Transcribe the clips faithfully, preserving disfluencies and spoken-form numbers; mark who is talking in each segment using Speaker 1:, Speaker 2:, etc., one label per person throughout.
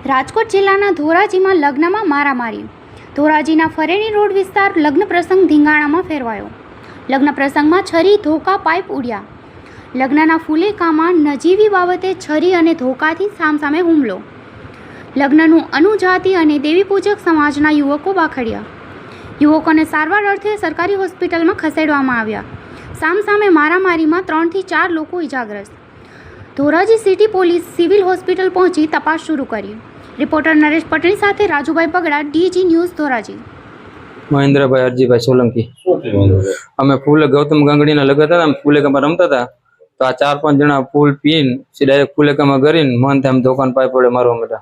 Speaker 1: રાજકોટ જિલ્લાના ધોરાજીમાં લગ્નમાં મારામારી. ધોરાજીના ફરેણી રોડ વિસ્તાર લગ્ન પ્રસંગ ધીંગાણામાં ફેરવાયો. લગ્ન પ્રસંગમાં છરી ધોકા પાઇપ ઉડ્યા. લગ્નના ફુલેકામાં નજીવી બાબતે છરી અને ધોકાથી સામસામે હુમલો. લગ્નનું અનુજાતિ અને દેવીપૂજક સમાજના યુવકો બાખડ્યા. યુવકોને સારવાર અર્થે સરકારી હોસ્પિટલમાં ખસેડવામાં આવ્યા. સામસામે મારામારીમાં ત્રણથી ચાર લોકો ઇજાગ્રસ્ત. Dhoraji city police civil hospital પહોંચી તપાસ શરૂ કરી. રિપોર્ટર નરેશ પટેલ સાથે રાજુભાઈ બગડા, ડીજી ન્યૂઝ, ધોરાજી.
Speaker 2: મહેન્દ્રભાઈ અરજીભાઈ સોલંકી. અમે ફૂલે ગૌતમ ગાંગડીના લગતા હતા, અમે ફૂલેકામાં રમતા હતા. તો આ ચાર પાંચ જણા ફૂલ પીને ડાયરેક્ટ ફૂલેકામાં કરીને મન તેમ દુકાન પાઈ પડે મારવા માંડ્યા.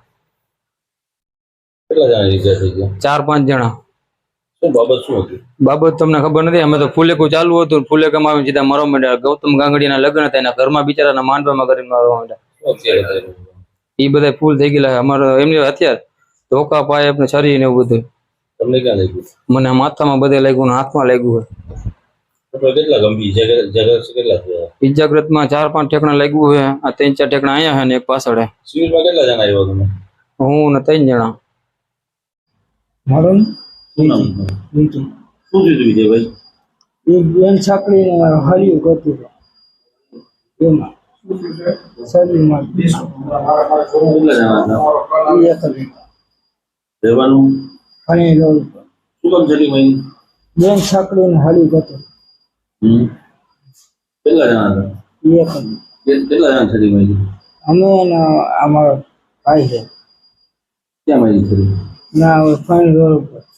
Speaker 3: કેટલા જણા ઈજા થઈ ગયા?
Speaker 2: ચાર પાંચ જણા.
Speaker 3: શું બાબત શું હતી?
Speaker 2: બાબત તમને ખબર નથી. અમે તો ફૂલેકું ચાલુ હતું, ફૂલેકામાં આવીને સીધા મારવા માંડ્યા. ગૌતમ ગાંગડીના લગ્ન હતા, એના ઘરમાં બિચારાના માંડવામાં કરીને મારવા માંડ્યા. એ બધા ફૂલ થઈ ગયેલા. અમારે એમની હથિયાર ધોકા પાય આપણે છરી ને એવું બધું.
Speaker 3: તમને ક્યાં લાગ્યું?
Speaker 2: મને માથામાં બધે લાગ્યું ને હાથમાં લાગ્યું હોય.
Speaker 3: કેટલા ગંભીર ઇજાગ્રસ્ત કેટલા થયા?
Speaker 2: ઇજાગ્રસ્તમાં ચાર પાંચ ઠેકણા લાગ્યું હોય. આ ત્રણ ચાર ઠેકણા અહીંયા છે ને એક પાછળ.
Speaker 3: સિવિલમાં કેટલા જણા આવ્યા તમે?
Speaker 2: હું ને ત્રણ જણા.
Speaker 4: મારું
Speaker 3: શું થયું વિજયભાઈ?
Speaker 4: એક બેન છાકરીને હરિયું કરતું એમાં શરીરમાં
Speaker 3: કેટલા જણા હતા?
Speaker 4: એ એક જ
Speaker 3: રહેવાનું
Speaker 4: ફણી રોડ ઉપર
Speaker 3: શું કામ છરી મહિને?
Speaker 4: બેન છાકરીને હરિયું કરતું
Speaker 3: હમ કેટલા જણા હતા?
Speaker 4: એ એક જ.
Speaker 3: કે- કેટલા જણા છરી મહિને?
Speaker 4: અમે અને અમારો ભાઈ છે
Speaker 3: ક્યાં મહિને છરી?
Speaker 4: ના ફણી રોડ ઉપર